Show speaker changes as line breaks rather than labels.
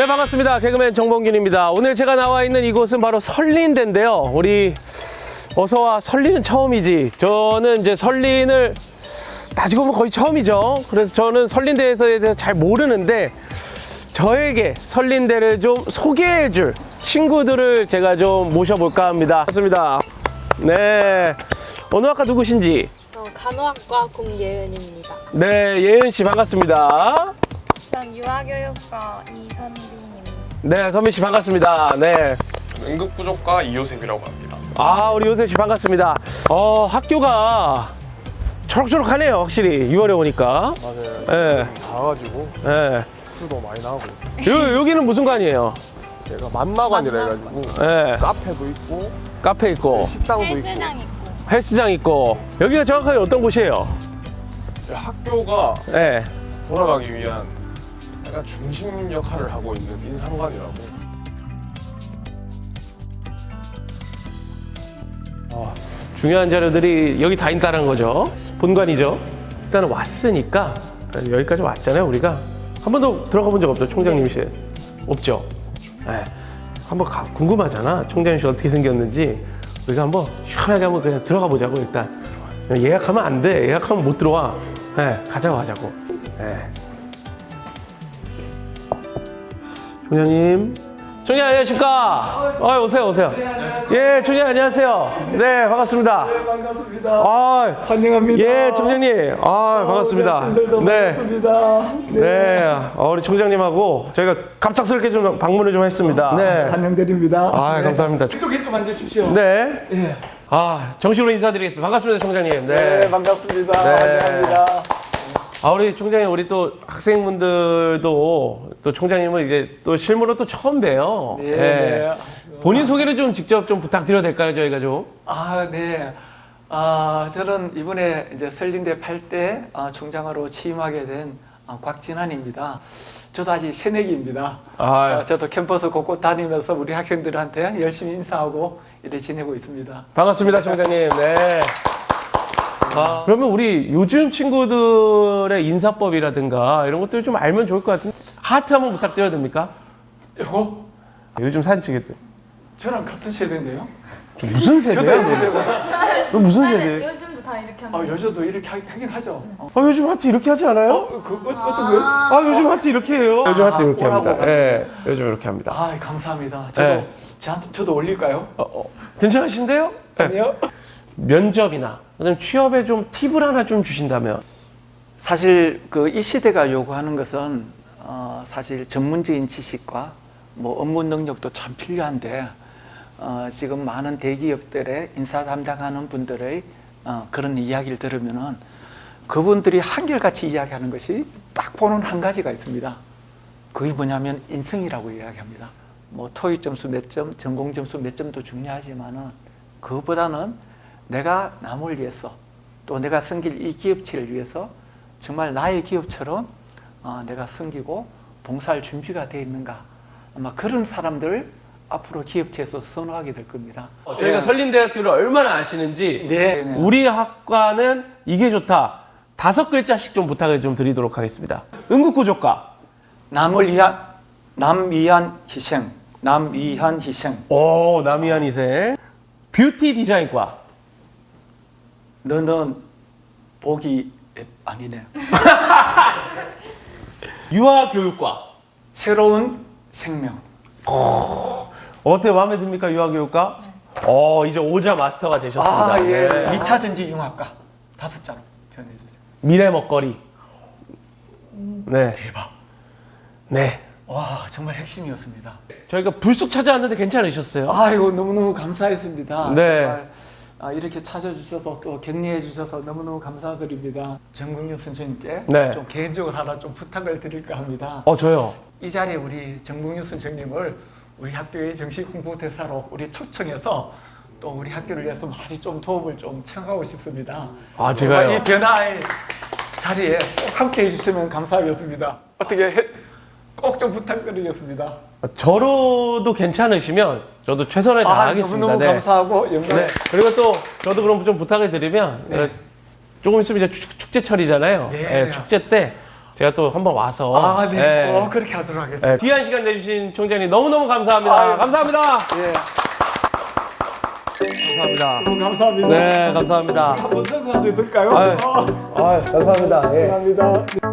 네, 반갑습니다. 개그맨 정봉균입니다. 오늘 제가 나와 있는 이곳은 바로 설린대인데요. 우리 어서와. 설린은 처음이지. 저는 이제 설린을 따지고 보면 거의 처음이죠. 그래서 저는 설린대에 대해서 잘 모르는데 저에게 설린대를 좀 소개해줄 친구들을 제가 좀 모셔볼까 합니다. 반갑습니다. 네, 어느 학과 누구신지?
간호학과 공예은입니다.
네, 예은 씨 반갑습니다.
전 유아교육과 이선빈입니다.
네, 선민 씨 반갑습니다. 네.
응급구조과 이효셉이라고 합니다.
아, 우리 요셉 씨 반갑습니다. 학교가 초록초록하네요. 확실히 6월에 오니까.
맞아요.
예.
가가지고
예.
술도 많이 나고.
여기는 무슨 관이에요?
얘가 만마관이라 해가지고
예.
카페도 있고
카페 있고
식당도 있고.
헬스장 있고.
헬스장 있고. 여기가 정확하게 어떤 곳이에요?
학교가
예.
돌아가기 위한 약간 중심 역할을 하고 있는 인상관이라고.
중요한 자료들이 여기 다 있다는 거죠. 본관이죠. 일단은 왔으니까 여기까지 왔잖아요. 우리가 한 번도 들어가 본 적 없죠. 총장님실 없죠. 네. 한번 궁금하잖아. 총장님실 어떻게 생겼는지. 우리가 한번 시원하게 한번 그냥 들어가 보자고. 일단 예약하면 안 돼. 예약하면 못 들어와. 네, 가자고 하자고. 네. 총장님. 총장님 안녕하십니까? 오세요, 오세요. 예, 총장님 안녕하세요. 네, 반갑습니다.
네, 반갑습니다.
아,
환영합니다.
예, 총장님. 반갑습니다.
어르신들도
네.
반갑습니다.
네, 우리 총장님하고 저희가 갑작스럽게 좀 방문을 좀 했습니다. 네.
환영드립니다.
아, 감사합니다.
이쪽에 좀 앉으십시오.
네.
예.
정식으로 인사드리겠습니다. 반갑습니다, 총장님.
네, 반갑습니다.
네.
환영합니다.
우리 총장님, 우리 또 학생분들도 또 총장님을 이제 또 실무로 또 처음 봬요.
네, 네.
본인 소개를 좀 직접 좀 부탁드려도 될까요, 저희가 좀?
네. 저는 이번에 이제 설린대 8대 총장으로 취임하게 된 곽진환입니다. 저도 아직 새내기입니다. 저도 캠퍼스 곳곳 다니면서 우리 학생들한테 열심히 인사하고 이렇게 지내고 있습니다.
반갑습니다, 총장님. 네. 그러면 우리 요즘 친구들의 인사법이라든가 이런 것들 좀 알면 좋을 것 같은데 하트 한번 부탁드려도 됩니까?
이거
요즘 사진 찍겠대.
저랑 같은 세대인데요?
저 무슨 세대야? 너 무슨 세대?
요즘도 다 이렇게 합니다.
여자도 이렇게 하긴 하죠.
요즘 하트 이렇게 하지 않아요?
어떤 거요?
요즘 하트 이렇게 해요. 요즘 하트 이렇게
뭐라고
합니다.
하지?
예, 요즘 이렇게 합니다.
감사합니다.
네.
저도 올릴까요?
괜찮으신데요?
아니요.
면접이나 그다음 취업에 좀 팁을 하나 좀 주신다면.
사실 이 시대가 요구하는 것은 사실 전문적인 지식과 뭐 업무 능력도 참 필요한데 지금 많은 대기업들의 인사 담당하는 분들의 그런 이야기를 들으면은 그분들이 한결같이 이야기하는 것이 딱 보는 한 가지가 있습니다. 그게 뭐냐면 인성이라고 이야기합니다. 뭐 토익 점수 몇 점, 전공 점수 몇 점도 중요하지만은 그것보다는 내가 남을 위해서 또 내가 섬길 이 기업체를 위해서 정말 나의 기업처럼 내가 섬기고 봉사할 준비가 되어 있는가, 아마 그런 사람들을 앞으로 기업체에서 선호하게 될 겁니다.
저희가 설린대학교를 얼마나 아시는지
네.
우리 학과는 이게 좋다. 5글자씩 좀 부탁을 좀 드리도록 하겠습니다. 응급구조과.
남을 위한 희생, 남 위한 희생.
남이한 이세. 뷰티 디자인과.
너는 복이 아니네.
유아교육과.
새로운 생명.
어때, 마음에 듭니까, 유아교육과? 이제 오자 마스터가 되셨습니다.
예.
네.
2차 전지융합과 5자로 표현해 주세요.
미래 먹거리. 네.
대박.
네.
와, 정말 핵심이었습니다.
저희가 불쑥 찾아왔는데 괜찮으셨어요?
이거 너무너무 감사했습니다.
네.
정말 이렇게 찾아주셔서 또 격려해 주셔서 너무너무 감사드립니다. 정국윤 선생님께
네.
좀 개인적으로 하나 좀 부탁을 드릴까 합니다.
저요.
이 자리에 우리 정국윤 선생님을 우리 학교의 정식 홍보대사로 우리 초청해서 또 우리 학교를 위해서 많이 좀 도움을 좀 청하고 싶습니다.
제가요?
이 변화의 자리에 꼭 함께 해주시면 감사하겠습니다. 꼭 좀 부탁드리겠습니다.
저로도 괜찮으시면 저도 최선을 다하겠습니다.
너무너무
네.
감사하고 영광.
네. 그리고 또 저도 그럼 좀 부탁을 드리면 조금 있으면 이제 축제철이잖아요.
네.
축제 때 제가 또 한번 와서
아, 네.
예.
그렇게 하도록 하겠습니다.
예, 귀한 시간 내주신 총장님 너무너무 감사합니다.
아유,
감사합니다.
예.
감사합니다.
너무 감사합니다.
네, 감사합니다.
한번 더 가도 될까요?
아유, 감사합니다. 예.
감사합니다.